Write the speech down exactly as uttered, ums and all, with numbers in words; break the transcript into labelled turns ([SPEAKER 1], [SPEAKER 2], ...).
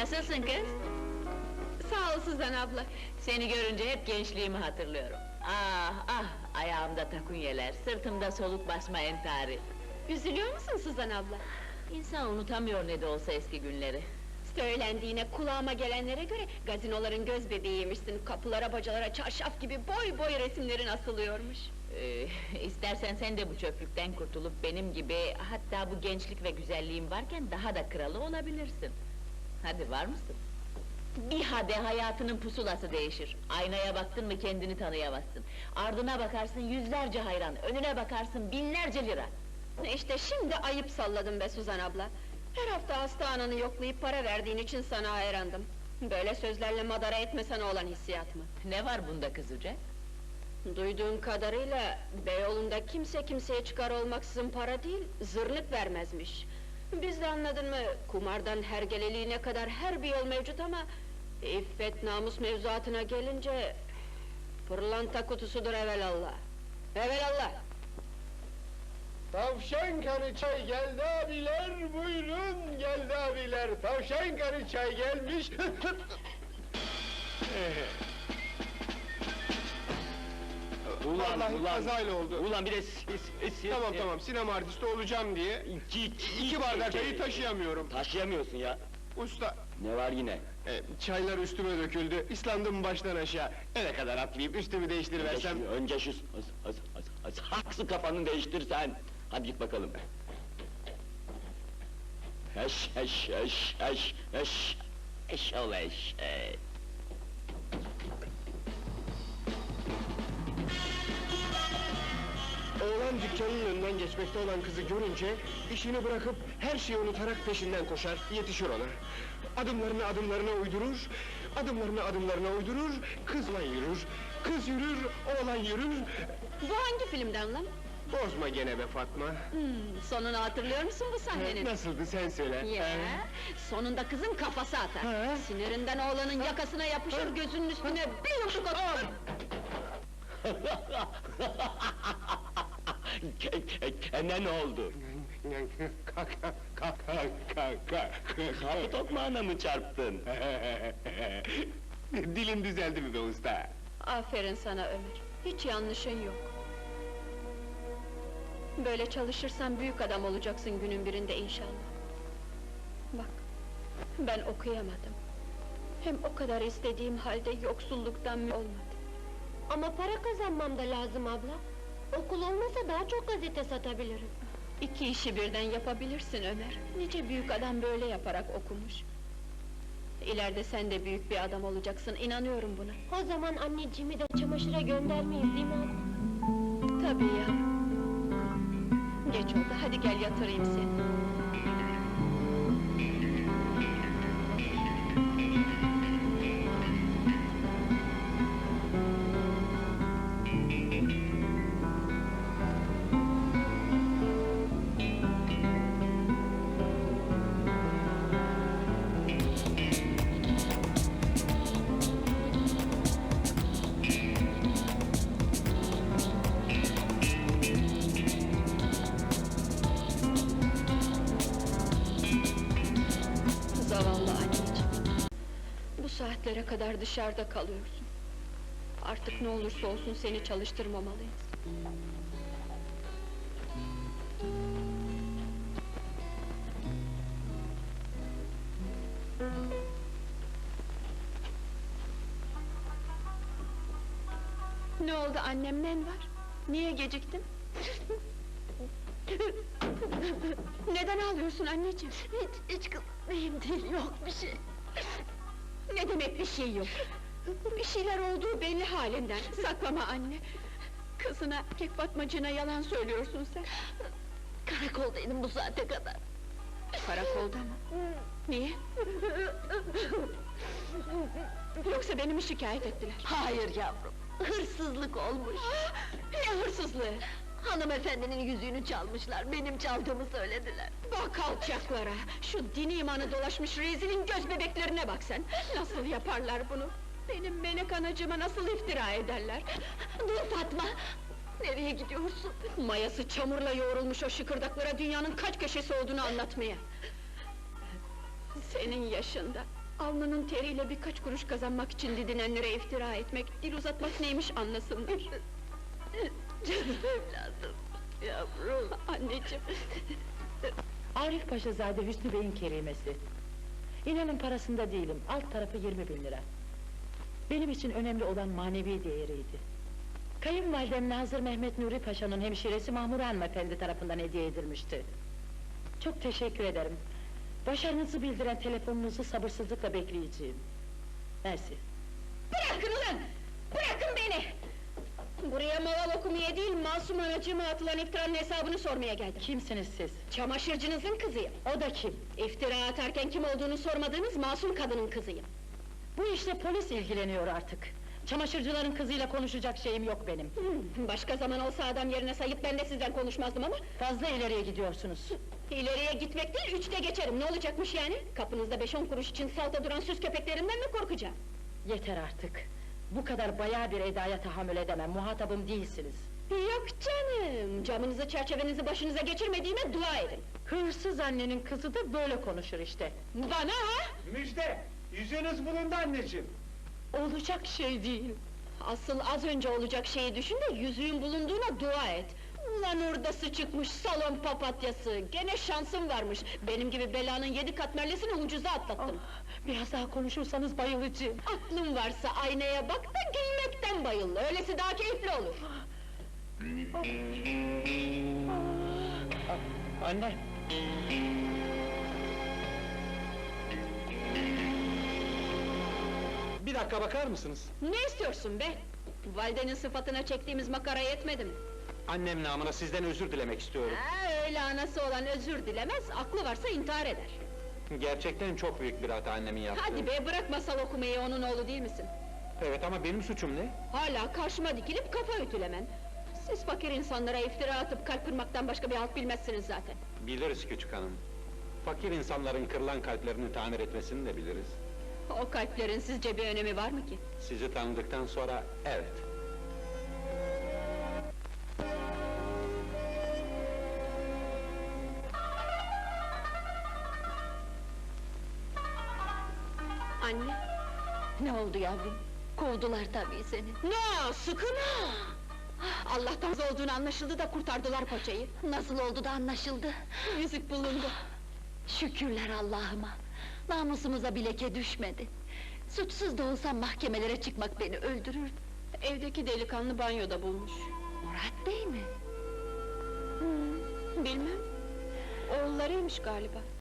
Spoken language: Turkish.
[SPEAKER 1] Nasılsın kız?
[SPEAKER 2] Sağ ol Suzan abla.
[SPEAKER 1] Seni görünce hep gençliğimi hatırlıyorum. Ah ah, ayağımda takunyeler, sırtımda soluk basma entari.
[SPEAKER 2] Üzülüyor musun Suzan abla?
[SPEAKER 1] İnsan unutamıyor ne de olsa eski günleri.
[SPEAKER 2] Söylendiğine, kulağıma gelenlere göre gazinoların göz bebeğiymişsin. Kapılara, bacalara, çarşaf gibi boy boy resimlerin asılıyormuş.
[SPEAKER 1] Ee, istersen sen de bu çöplükten kurtulup benim gibi, hatta bu gençlik ve güzelliğin varken daha da kralı olabilirsin. Hadi, var mısın? Bir hade hayatının pusulası değişir. Aynaya baktın mı kendini tanıyamazsın. Ardına bakarsın yüzlerce hayran, önüne bakarsın binlerce lira.
[SPEAKER 2] İşte şimdi ayıp salladım be Suzan abla. Her hafta hasta ananı yoklayıp para verdiğin için sana hayrandım. Böyle sözlerle madara etme sana olan hissiyat mı?
[SPEAKER 1] Ne var bunda kızıcak?
[SPEAKER 2] Duyduğum kadarıyla, Beyoğlu'nda kimse kimseye çıkar olmaksızın para değil, zırnık vermezmiş. Biz de anladın mı, kumardan hergeleliğine kadar her bir yol mevcut ama... ...İffet, namus mevzuatına gelince... ...pırlanta kutusudur evelallah! Evelallah!
[SPEAKER 3] Tavşan kanı çay geldi abiler, buyurun geldi abiler. Tavşan kanı çay gelmiş.
[SPEAKER 4] Ulan,
[SPEAKER 3] Vallahi
[SPEAKER 4] ulan,
[SPEAKER 3] kazayla oldu.
[SPEAKER 4] Ulan bir de siz, siz, siz-
[SPEAKER 3] Tamam tamam, sinema artisti olacağım diye
[SPEAKER 4] İki, iki,
[SPEAKER 3] iki bardak çayı taşıyamıyorum.
[SPEAKER 4] Taşıyamıyorsun ya.
[SPEAKER 3] Usta,
[SPEAKER 4] Ne var yine?
[SPEAKER 3] e, çaylar üstüme döküldü, ıslandım baştan aşağı. Eve kadar atlayıp üstümü
[SPEAKER 4] Önce
[SPEAKER 3] değiştiriversem...
[SPEAKER 4] şu, önce şu, az, az, az, az, haksı kafanı değiştir sen. Hadi git bakalım. Eş, eş, eş, eş, eş, eş ol eş, e.
[SPEAKER 3] Oğlan dükkanın önünden geçmekte olan kızı görünce... ...işini bırakıp her şeyi unutarak peşinden koşar, yetişir ona. Adımlarını adımlarına uydurur, adımlarını adımlarına uydurur, kızla yürür. Kız yürür, oğlan yürür.
[SPEAKER 2] Bu hangi filmden lan?
[SPEAKER 3] Bozma gene be Fatma.
[SPEAKER 2] Hmm, sonunu hatırlıyor musun bu sahnenin?
[SPEAKER 3] Nasıldı sen söyle.
[SPEAKER 2] Ya, sonunda kızın kafası atar.
[SPEAKER 3] Ha?
[SPEAKER 2] Sinirinden oğlanın yakasına yapışır, gözünün üstüne bir yumruk atar.
[SPEAKER 4] Kendine ne oldu?
[SPEAKER 3] Kaka, kaka, kaka.
[SPEAKER 4] Kapı tokmağına mı çarptın?
[SPEAKER 3] Dilin düzeldi mi be usta?
[SPEAKER 2] Aferin sana Ömer, hiç yanlışın yok. Böyle çalışırsan büyük adam olacaksın günün birinde inşallah. Bak, ben okuyamadım. Hem o kadar istediğim halde yoksulluktan mü olmadı.
[SPEAKER 5] Ama para kazanmam da lazım abla. Okul olmasa daha çok gazete satabilirim.
[SPEAKER 2] İki işi birden yapabilirsin Ömer. Nice büyük adam böyle yaparak okumuş. İleride sen de büyük bir adam olacaksın, inanıyorum buna.
[SPEAKER 5] O zaman anneciğimi de çamaşıra göndermeyiz değil mi abla?
[SPEAKER 2] Tabii ya. Geç oldu, hadi gel yatırayım seni. Zavallı anneciğim. Bu saatlere kadar dışarıda kalıyorsun. Artık ne olursa olsun seni çalıştırmamalıyız. Ne oldu annem, nen var? Niye geciktin? Neden ağlıyorsun anneciğim?
[SPEAKER 5] Hiç, hiç kızım, neyim değil, yok bir şey.
[SPEAKER 2] Ne demek bir şey yok? Bir şeyler olduğu belli halinden, saklama anne! Kızına, erkek Fatmacığına yalan söylüyorsun sen!
[SPEAKER 5] Karakoldaydım bu saate kadar.
[SPEAKER 2] Karakolda mı? Niye? Yoksa beni mi şikayet ettiler?
[SPEAKER 5] Hayır yavrum, hırsızlık olmuş.
[SPEAKER 2] Ne hırsızlığı?
[SPEAKER 5] Hanımefendinin yüzüğünü çalmışlar, benim çaldığımı söylediler.
[SPEAKER 2] Bak alçaklara! Şu dini imanı dolaşmış rezilin göz bebeklerine bak sen! Nasıl yaparlar bunu? Benim melek anacığıma nasıl iftira ederler?
[SPEAKER 5] Dur Fatma! Nereye gidiyorsun?
[SPEAKER 2] Mayası çamurla yoğrulmuş o şıkırdaklara dünyanın kaç köşesi olduğunu anlatmaya! Senin yaşında, Alnının teriyle birkaç kuruş kazanmak için didinenlere iftira etmek, dil uzatmak neymiş anlasınlar.
[SPEAKER 1] Canım evladım, yavrum.
[SPEAKER 2] Anneciğim,
[SPEAKER 6] Arif Paşazade Hüsnü Bey'in kerimesi. İnanın parasında değilim, alt tarafı yirmi bin lira. Benim için önemli olan manevi değeriydi. Kayınvalidem Nazır Mehmet Nuri Paşa'nın hemşiresi Mahmure Hanımefendi tarafından hediye edilmişti. Çok teşekkür ederim. Başarınızı bildiren telefonunuzu sabırsızlıkla bekleyeceğim. Mersi.
[SPEAKER 2] bırakın ulan! Bırakın beni! Buraya maval okumaya değil, masum anacığıma atılan iftiranın hesabını sormaya geldim.
[SPEAKER 6] Kimsiniz siz?
[SPEAKER 2] Çamaşırcınızın kızıyım.
[SPEAKER 6] O da kim?
[SPEAKER 2] İftira atarken kim olduğunu sormadığınız masum kadının kızıyım.
[SPEAKER 6] Bu işle polis ilgileniyor artık. Çamaşırcıların kızıyla konuşacak şeyim yok benim.
[SPEAKER 2] Hmm, başka zaman olsa adam yerine sayıp ben de sizden konuşmazdım ama...
[SPEAKER 6] Fazla ileriye gidiyorsunuz.
[SPEAKER 2] İleriye gitmek değil, üçte geçerim, ne olacakmış yani? Kapınızda beş on kuruş için salta duran süs köpeklerinden mi korkacağım?
[SPEAKER 6] Yeter artık. Bu kadar bayağı bir edaya tahammül edemem, muhatabım değilsiniz.
[SPEAKER 2] Yok canım, camınızı çerçevenizi başınıza geçirmediğime dua edin.
[SPEAKER 6] Hırsız annenin kızı da böyle konuşur işte.
[SPEAKER 2] Bana ha?
[SPEAKER 3] Müjde! Yüzüğünüz bulundu anneciğim!
[SPEAKER 6] Olacak şey değil.
[SPEAKER 2] Asıl az önce olacak şeyi düşün de yüzüğün bulunduğuna dua et. Ulan hurdası çıkmış salon papatyası, gene şansım varmış. Benim gibi belanın yedi katmerlisini ucuza atlattım.
[SPEAKER 6] Ah, biraz daha konuşursanız bayılacağım.
[SPEAKER 2] Aklın varsa aynaya bak da gülmekten bayıl, öylesi daha keyifli olur.
[SPEAKER 6] Anne!
[SPEAKER 3] Bir dakika bakar mısınız?
[SPEAKER 2] Ne istiyorsun be? Validenin sıfatına çektiğimiz makara yetmedi mi?
[SPEAKER 3] Annem namına sizden özür dilemek istiyorum.
[SPEAKER 2] Ha, öyle anası olan özür dilemez, aklı varsa intihar eder.
[SPEAKER 3] Gerçekten çok büyük bir hata annemin yaptığı.
[SPEAKER 2] Hadi be, bırak masal okumayı, onun oğlu değil misin?
[SPEAKER 3] Evet ama benim suçum ne?
[SPEAKER 2] Hala karşıma dikilip kafa ütülemen. Siz fakir insanlara iftira atıp kalp kırmaktan başka bir halt bilmezsiniz zaten.
[SPEAKER 3] Biliriz küçük hanım. Fakir insanların kırılan kalplerini tamir etmesini de biliriz.
[SPEAKER 2] O kalplerin sizce bir önemi var mı ki?
[SPEAKER 3] Sizi tanıdıktan sonra evet.
[SPEAKER 2] Anne!
[SPEAKER 1] Ne oldu yavrum? Kovdular tabii seni.
[SPEAKER 2] No, sıkın ha! Allah'tan razı olduğunu anlaşıldı da kurtardılar paçayı.
[SPEAKER 1] Nasıl oldu da anlaşıldı?
[SPEAKER 2] Yüzük bulundu.
[SPEAKER 1] Şükürler Allah'ıma! Namusumuza bir leke düşmedi. Suçsuz da olsam mahkemelere çıkmak beni öldürür.
[SPEAKER 2] Evdeki delikanlı banyoda bulmuş.
[SPEAKER 1] Murat Bey mi?
[SPEAKER 2] Bilmem. Oğullarıymış galiba.